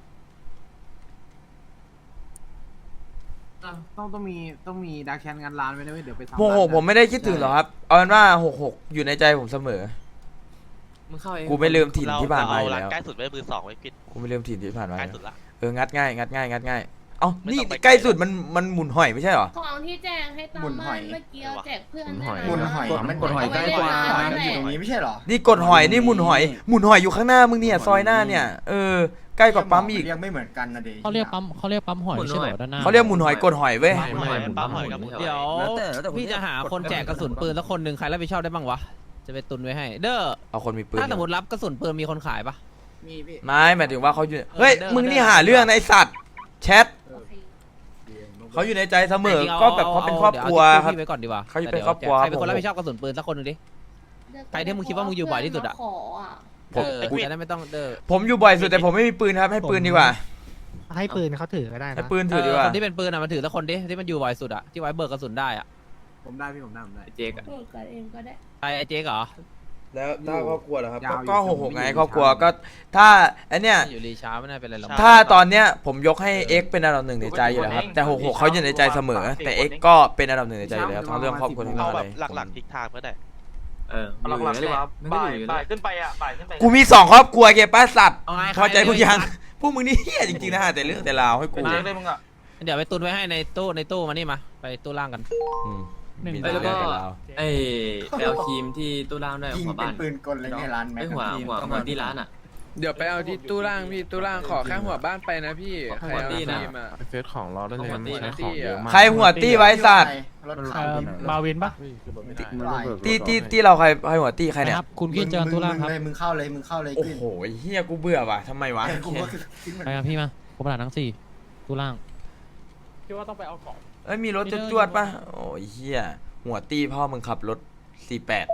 [SPEAKER 4] ต้องมีดาร์กแคนงานร้านไว้ด้วยเดี๋ยวไปทำ
[SPEAKER 3] 66ผมไม่ได้คิดถึงหรอกครับเอาเป็นว่า66อยู่ในใจผมเสมอ
[SPEAKER 7] มึงเข้าเอ็กซ์
[SPEAKER 3] กูไม่ลืมถิ่นที่ผ่านมาอยู่แล้ว
[SPEAKER 12] ใกล้สุดไว้มือ2ไว้พิษ
[SPEAKER 3] กูไม่ลืมถิ่นที่ผ่านมา
[SPEAKER 12] ใกล้สุดละ
[SPEAKER 3] งัดง่ายเอ้านี่ใกล้สุดมันหมุนหอยไม่ใช่เหรอ
[SPEAKER 9] ของที่แจกให้ตามบ้านเมื่อกี้แจกเพื่อน
[SPEAKER 4] หมุนหอยมันกดหอยใกล้กว่ามันอยู่ตรงนี้ไม่ใช่เหรอ
[SPEAKER 3] นี่กดหอยนี่หมุนหอยอยู่ข้างหน้ามึงเนี่ยซอยหน้าเนี่ยใกล้กว่าปั๊มอีก
[SPEAKER 4] ยังไม่เหมือนกันนะเด็
[SPEAKER 5] เขาเรียกปั๊มหอยไม่ใช่เหรอด้านหน้า
[SPEAKER 3] เขาเรียกหมุนหอยกดหอยเว้ย
[SPEAKER 12] ปั๊มหอยกับ
[SPEAKER 2] เดี๋ยวพี่จะหาคนแจกกระสุนปืนแล้วคนหนึ่งใครรับผิดชอบได้บ้างวะจะไปตุนไว้ให้เด้อ
[SPEAKER 3] เอาคนมีปืน
[SPEAKER 2] ถ้าสมมติรับกระสุนปืนมีคนขายปะ
[SPEAKER 4] มีพี่
[SPEAKER 3] ไม่หมายถึงว่าเขาอยู่เฮ้ยมึงนี่หาเรื่องนะไอสัตว์แชทเขาอยู่ในใจเสมอก็แบบเขาเป็นครอบครัวครับ
[SPEAKER 2] พี่ไว้ก่อนดีกว่า
[SPEAKER 3] เขาเป็นครอบครัว
[SPEAKER 2] ใครเป็นคนรับผิดชอบกระสุนปืนสักคนหนึ่งดิ ใครที่มึงคิดว่ามึงอยู่บ่อยที่สุดอะ
[SPEAKER 9] ขออ่ะ
[SPEAKER 3] ผม
[SPEAKER 2] จะได้ไม่ต้องเด้อ
[SPEAKER 3] ผมอยู่บ่อยสุดแต่ผมไม่มีปืนครับให้ปืนดีกว่า
[SPEAKER 4] ให้ปืนเขาถือก็ได้
[SPEAKER 3] ให้
[SPEAKER 4] นะ
[SPEAKER 3] ปืนถือดีกว่า
[SPEAKER 2] คนที่เป็นปืนอะมันถือสักคนดิที่มันอยู่บ่อยสุดอะที่ไว้เบิกกระสุนได้อะ
[SPEAKER 4] ผมได้พี่ผมได้
[SPEAKER 7] เจ๊กอะ
[SPEAKER 9] เบิกกันเองก็ได้
[SPEAKER 2] ไอ้เจ๊กเหรอ
[SPEAKER 3] แล้วถ้าครอบครัวเหรอครับ
[SPEAKER 4] ยาวอยู่
[SPEAKER 3] ก็66ไงครอบครัวก็ถ้าไอเนี้ย
[SPEAKER 2] อยู่รีช้าไม่น่าเป็นไรหรอก
[SPEAKER 3] ถ้าตอนเนี้ยผมยกให้ X เป็นอันดับหนึ่งในใจอยู่แล้วครับแต่66เขาอยู่ในใจเสมอแต่ X ก็เป็นอันดับหนึ่งในใจอยู่แล้วทั้งเรื่องครอบครัวทั้งเรื่
[SPEAKER 12] เอา
[SPEAKER 3] องอะ
[SPEAKER 12] แบ
[SPEAKER 3] ไร
[SPEAKER 12] บหลักๆทิกทางเพื่อได้
[SPEAKER 7] หลักๆดีกว่ามันก็อยู่อยู่แล้ว
[SPEAKER 6] ขึ้นไปอ่ะบ่ายขึ้นไป
[SPEAKER 3] กูมี2ครอบครัวเก็บป้าสัตว์
[SPEAKER 2] เอาไง
[SPEAKER 3] พอใจพวกยังพวกมึงนี่เฮี้ยจริงๆนะฮะแต่เรื่องแต่ราวให้กู
[SPEAKER 6] เจ๊เลยมึงอ่ะ
[SPEAKER 2] เดี๋ยวไปตุนไว้ให้ในตู้มานี่มาไปตู้ล่างกัน
[SPEAKER 3] มี
[SPEAKER 7] เอ้ย
[SPEAKER 3] แต่
[SPEAKER 7] แล้ว
[SPEAKER 3] เรื่
[SPEAKER 7] ก็
[SPEAKER 3] องแต่ราว
[SPEAKER 7] ไอ้ไปเอาครีมที่ตู้ล่างด้วย
[SPEAKER 4] ยิง
[SPEAKER 7] หัว
[SPEAKER 4] เป็
[SPEAKER 7] บ้าน น
[SPEAKER 4] ปืนกลอะไรในร้านแม็
[SPEAKER 7] ไอ้
[SPEAKER 4] ก
[SPEAKER 7] หัวที่ร้านอ่ะ
[SPEAKER 13] เดี๋ยวไปเอาที่ตู้ล่างพี่ตู้ล่างขอแค่หัวบ้านไปนะพี่ใครเอา
[SPEAKER 7] ตี้นะ
[SPEAKER 13] ทีมอะ
[SPEAKER 1] เฟซของเราได้เลย
[SPEAKER 7] ของ
[SPEAKER 1] ใช้ของเยอะมาก
[SPEAKER 3] ใครหัวตี้ไว้สัตว์
[SPEAKER 4] รถขาว
[SPEAKER 5] มาวินปะ
[SPEAKER 3] ตี้เราใครหัวตี้ใครเนี่ย
[SPEAKER 5] ครับคุณขึ้นเจอตู้ล่างครับ
[SPEAKER 4] มึงเข้าเลย
[SPEAKER 3] โอ้โหเฮี้ยกูเบื่อว่ะทำไมวะ
[SPEAKER 4] กูก็ขึ้น
[SPEAKER 5] ไปครับพี่มาผมประดาทั้ง4ตู้ล่างคิดว่าต้องไปเอาของ
[SPEAKER 3] เอ้ยมีรถจวดๆป่ะโอ้ยเฮี้ยหัวตี้พ่อมึงขับรถ48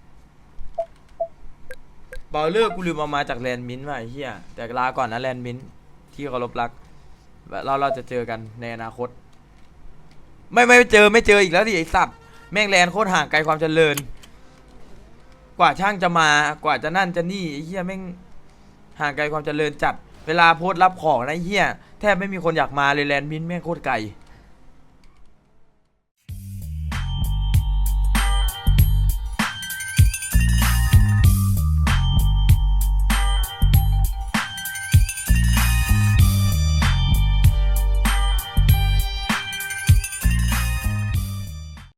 [SPEAKER 3] บอลเลอร์กูลืมเอามาจากแลนด์มินท์ว่ะไอ้เฮี้ยแต่ลาก่อนนะแลนด์มินท์ที่เคารพรักเราจะเจอกันในอนาคตไม่เจออีกแล้วดิไอสัตว์แม่งแลนด์โคตรห่างไกลความเจริญกว่าช่างจะมากว่าจะนั่นจะนี่ไอ้เฮี้ยแม่งห่างไกลความเจริญจัดเวลาโพสต์รับของนะไอ้เฮี้ยแทบไม่มีคนอยากมาเลยแลนด์มินท์แม่งโคตรไกล